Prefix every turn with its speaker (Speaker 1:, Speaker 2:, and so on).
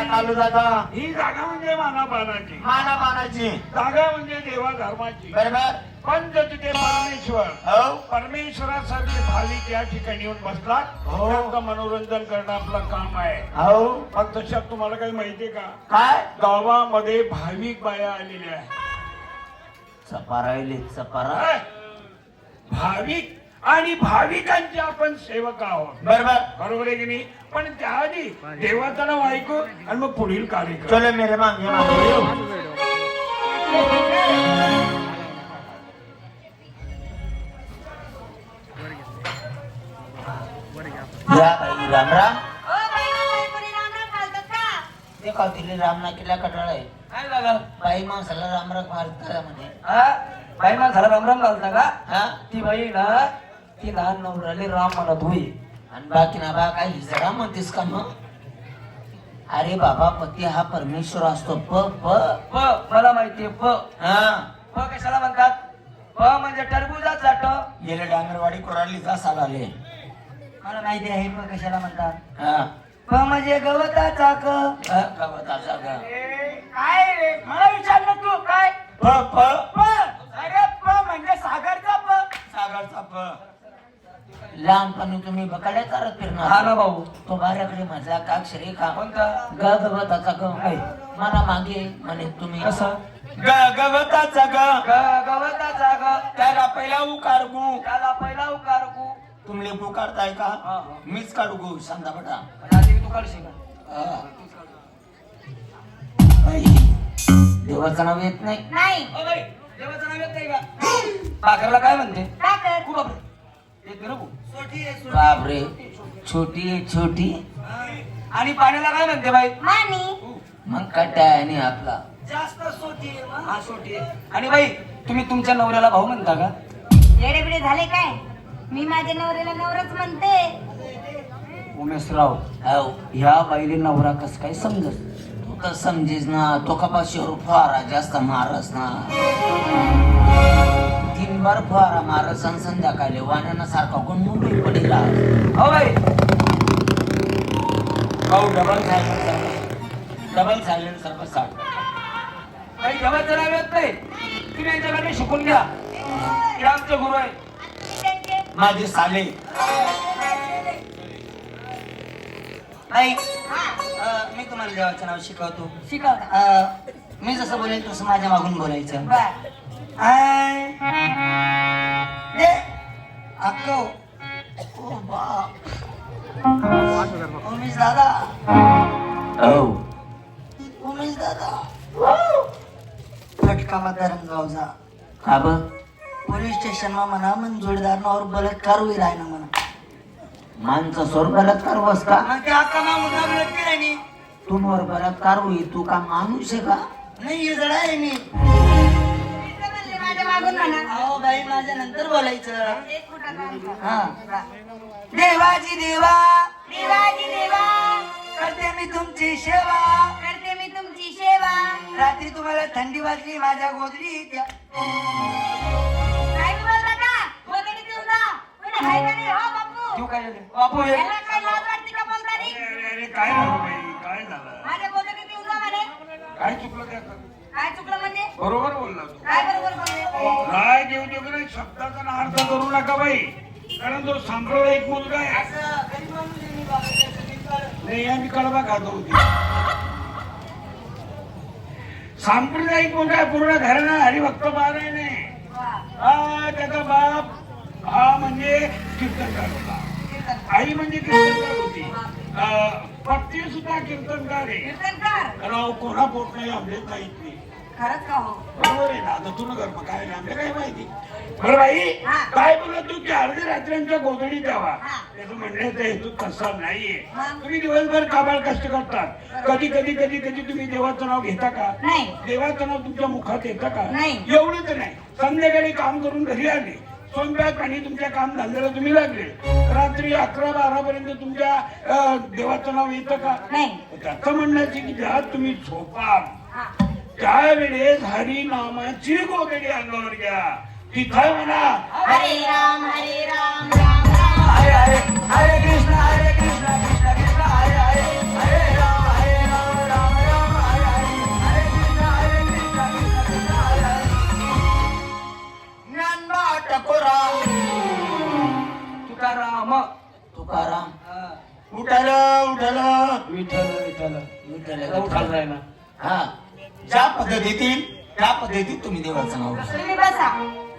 Speaker 1: चालू जाता
Speaker 2: ही जागा म्हणजे मानापानाची
Speaker 1: मानापानाची
Speaker 2: जागा म्हणजे देवा धर्माची
Speaker 1: बरोबर
Speaker 2: पंच तिथे परमेश्वर
Speaker 1: हो
Speaker 2: परमेश्वरासारखे भाविक या ठिकाणी येऊन बसला
Speaker 1: हो.
Speaker 2: त्यांचं मनोरंजन करणं आपलं काम आहे
Speaker 1: हो
Speaker 2: पण तशात तुम्हाला काही माहितीये का
Speaker 1: काय
Speaker 2: गावामध्ये भाविक बाया आलेल्या आहेत
Speaker 1: चपारायले चपारा
Speaker 2: काय? भाविक आणि भाविकांचे आपण सेवक आहोत
Speaker 1: बरोबर
Speaker 2: बरोबर आहे की नाही पण त्याआधी देवाचं नाव ऐकू आणि मग पुढील कार्यक्रम
Speaker 1: चलो मेरे मागे मागे येऊ. या बाई राम राम
Speaker 3: ओ बाई बाई कोणी राम राम घालतात का?
Speaker 1: ते का तिले राम ना केला कटाळ आहे
Speaker 4: काय झालं
Speaker 1: बाई माणसाला राम राम घालता म्हणे
Speaker 4: हा बाई माणसाला रामराम घालता का
Speaker 1: हा
Speaker 4: ती बाई ना ती लहान नवऱ्याले राम म्हणत होई
Speaker 1: आणि बाकी ना बा काय हिजडा म्हणतेस का मग अरे बाबा पती हा परमेश्वर असतो प प
Speaker 4: प मला माहितीये प
Speaker 1: हा
Speaker 4: प कशाला म्हणतात प म्हणजे टरबुजात जात
Speaker 1: गेले डांगरवाडी कोराडली जा आले
Speaker 4: मला माहिती आहे प कशाला म्हणतात
Speaker 1: हा
Speaker 4: प म्हणजे गवताचा क
Speaker 1: गवताचा ग
Speaker 4: काय रे मला विचारलं तू काय
Speaker 1: प प
Speaker 4: प अरे प म्हणजे सागरचा प
Speaker 1: सागरचा प लहानपणी तुम्ही बकाड्या करत
Speaker 4: हा
Speaker 1: फिरणार
Speaker 4: ना भाऊ
Speaker 1: तो बाऱ्याकडे माझा काक्षरे का
Speaker 4: कोणता
Speaker 1: ग गवताचा ग मला मागे म्हणे तुम्ही
Speaker 4: कसं
Speaker 1: ग गवताचा ग
Speaker 4: गवताचा ग
Speaker 1: त्याला पहिला उकार गु
Speaker 4: त्याला पहिला उकार गु
Speaker 1: तुमले पुकारताय का
Speaker 4: हा.
Speaker 1: मीच काढू गु सांगा बटा
Speaker 4: आधी तू काढशील का?
Speaker 1: देवाचं नाव येत नाही
Speaker 3: नाही
Speaker 4: ओ बाई देवाचं नाव येत नाही का पाखरला काय म्हणते
Speaker 3: का कर?
Speaker 4: खूप बापरे येते रे भाऊ.
Speaker 1: बापरे छोटी आहे छोटी
Speaker 4: आणि पाण्याला काय म्हणते बाई
Speaker 3: मानी
Speaker 1: मग कटाय आणि आपला
Speaker 4: जास्त सोटी हा सोटी आणि बाई तुम्ही तुमच्या नवऱ्याला भाऊ म्हणता का
Speaker 3: येडे बिडे झाले काय मी माझ्या नवऱ्याला नवराच म्हणते
Speaker 4: उमेशराव
Speaker 1: हो
Speaker 4: ह्या बाईले नवरा कस काय समजस
Speaker 1: तू तर समजेस ना तो कपाशीवर फवारा जास्त मारस ना 3 बार फवारा मारस आणि संध्याकाळी वाण्याना सारखा कोण मुंबई पडेला
Speaker 4: हो बाई
Speaker 1: हो डबल सायलेन्सर बसा
Speaker 4: काही देवाचं नाव येत नाही तुम्ही यांच्याकडे शिकून घ्या हे आमचे गुरु आहे
Speaker 3: त्यांचे
Speaker 1: माझे साले
Speaker 4: नाही
Speaker 3: हा
Speaker 1: मी तुम्हाला देवाचं नाव शिकवतो
Speaker 3: शिकवता
Speaker 1: मी जसं बोलेल तसं माझ्या मागून बोलायचं
Speaker 3: बर
Speaker 1: आय दे अक्को ओ बा उमेश दादा ओ उमेश दादा फटका मतदारन गावचा का ब पोलीस स्टेशन मा म्हणा मन जोडीदार नावर बलात्कार होईल आहे ना म्हणा माणसं सोर बलात्कार बस का
Speaker 4: मग ते अक्का नाव म्हणून लटके नाही
Speaker 1: तू मोर बलात्कार होईल तू का माणूस आहे का
Speaker 4: नाही हे जडा आहे मी
Speaker 3: इथं म्हणले माझ्या मागून म्हणा
Speaker 4: अहो बाई माझ्या नंतर बोलायचं
Speaker 3: एक फुटाचा अंतर.
Speaker 4: हा देवाची देवा
Speaker 3: देवाजी देवा
Speaker 4: करते मी तुमची सेवा
Speaker 3: करते मी तुमची सेवा
Speaker 4: रात्री तुम्हाला थंडी वाजली माझ्या गोदरी द्या
Speaker 3: काय बोलता का वगैरे देऊन जा कोणी हाय का नाही हो बापू
Speaker 4: तू काय झालं? बापू हे
Speaker 3: याला काय लाज वाटते का बोलतानी
Speaker 2: अरे काय झालं बाई काय झालं
Speaker 3: माझ्या गोदडी देऊन जा म्हणे
Speaker 2: काय चुकलं त्यात
Speaker 3: काय चुकलं म्हणजे
Speaker 2: बरोबर बोलला तू
Speaker 3: काय बरोबर बोलले
Speaker 2: राय देऊ देऊ नाही शब्दाचा अर्थ करू नका बाई कारण तो सांप्रदायिक मुलगा आहे नाही आम्ही कडबा खातो होती सांप्रदायिक मुलगा आहे, पूर्ण घराणा हरिभक्त पारायण आहे हा त्याचा बाप हा म्हणजे कीर्तनकार होता आई म्हणजे कीर्तनकार होती पत्नी सुद्धा कीर्तनकार आहे
Speaker 3: कीर्तनकार
Speaker 2: राव कोणा पोट नाही आमले काहीच नाही
Speaker 3: खरंच का हो
Speaker 2: बरोबर आहे ना आता तुला घर काय नाही आमल्या काय माहिती बरं बाई
Speaker 3: हा.
Speaker 2: काय बोलत तू की अर्ध्या रात्र्यांच्या गोधडी द्यावा
Speaker 3: हा.
Speaker 2: त्याचं म्हणण्याचा हेतू तसा नाहीये
Speaker 3: मग?
Speaker 2: तुम्ही दिवसभर काबाड कष्ट करतात कधी कधी कधी कधी तुम्ही देवाचं नाव घेता का
Speaker 3: नाही
Speaker 2: देवाचं नाव तुमच्या मुखात येतं का
Speaker 3: नाही.
Speaker 2: एवढं तर नाही संध्याकाळी काम करून घरी आले स्वयंपाक आणि तुमच्या काम धंद्याला तुम्ही लागले रात्री 11-12 पर्यंत तुमच्या देवाचं नाव येतं का
Speaker 3: नाही
Speaker 2: त्याचं म्हणण्याचे की ज्या तुम्ही झोपाल
Speaker 3: हा
Speaker 2: त्यावेळेस हरी नामाची गोगडी अंगावर घ्या तिथं म्हणा
Speaker 3: हरे राम राम राम
Speaker 4: हरे हरे हरे कृष्ण कृष्ण कृष्ण हरे हरे हरे राम राम
Speaker 1: तुकाराम
Speaker 4: हा.
Speaker 2: उठाल उठाल
Speaker 4: विठ्ठल विठ्ठल
Speaker 1: विठ्ठल
Speaker 4: उठाल राय ना.
Speaker 1: हा ज्या पद्धतीतील त्या पद्धतीत तुम्ही देवाचं नाव घ्या.
Speaker 3: तुम्ही बसा